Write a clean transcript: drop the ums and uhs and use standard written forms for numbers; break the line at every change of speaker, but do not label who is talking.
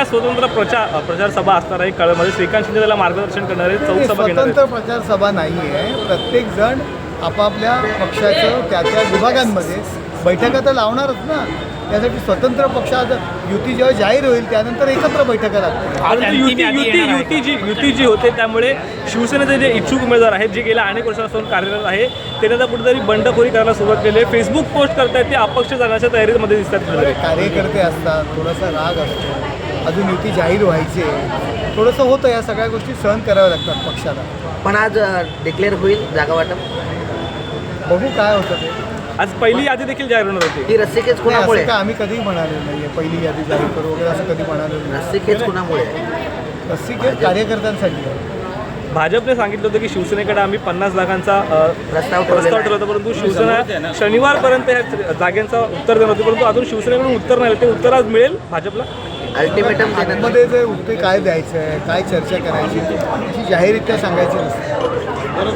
शिवसेनेचा स्वतंत्र प्रचार सभा असणार आहे कळमध्ये. श्रीकांत शिंदे त्याला मार्गदर्शन करणार आहे, चौक सभा घेणार
स्वतंत्र प्रचार सभा नाही आहे. प्रत्येक जण आपापल्या पक्षाचं त्या विभागांमध्ये बैठका तर लावणारच ना. त्यासाठी स्वतंत्र पक्षात युती जेव्हा जाहीर होईल त्यानंतर एकत्र बैठका लागतील.
युती जी होते त्यामुळे शिवसेनेचे जे इच्छुक उमेदवार आहेत जे गेल्या अनेक वर्षापासून कार्यरत आहे त्यांनी आता कुठेतरी बंडखोरी करायला सुरुवात केली आहे. फेसबुक पोस्ट करतायत ते अपक्ष जाण्याच्या तयारीमध्ये दिसतात.
कार्यकर्ते असतात, थोडासा राग असतो, अजून युती जाहीर व्हायची आहे, थोडंसं होतं. या सगळ्या गोष्टी सहन कराव्या लागतात पक्षाला.
पण आज डिक्लेअर होईल जागा वाटप.
बघू काय होतं ते.
आज पहिली यादी देखील जाहीर होणार होती.
ही रस्सीखेच
नाही,
कुणामुळे
असं का आम्ही कधीही म्हणालेलं नाही आहे पहिली यादी जाहीर करू वगैरे असं कधी म्हणालेलं नाही.
रस्सीखेच कुणामुळे
रस्सीखेच कार्यकर्त्यांसाठी आहे.
भाजपने सांगितलं होतं की शिवसेनेकडे आम्ही 50 लाखांचा
प्रस्ताव
ठेवला होता, परंतु शिवसेना शनिवारपर्यंत या जागांचा उत्तर देणार होती, परंतु अजून शिवसेनेकडून उत्तर नाही. ते उत्तर आज मिळेल भाजपला.
अल्टिमेटम देण्यात
मध्ये जे उत्तर काय द्यायचं आहे, काय चर्चा करायची, अशी जाहीररित्या सांगायची नसते.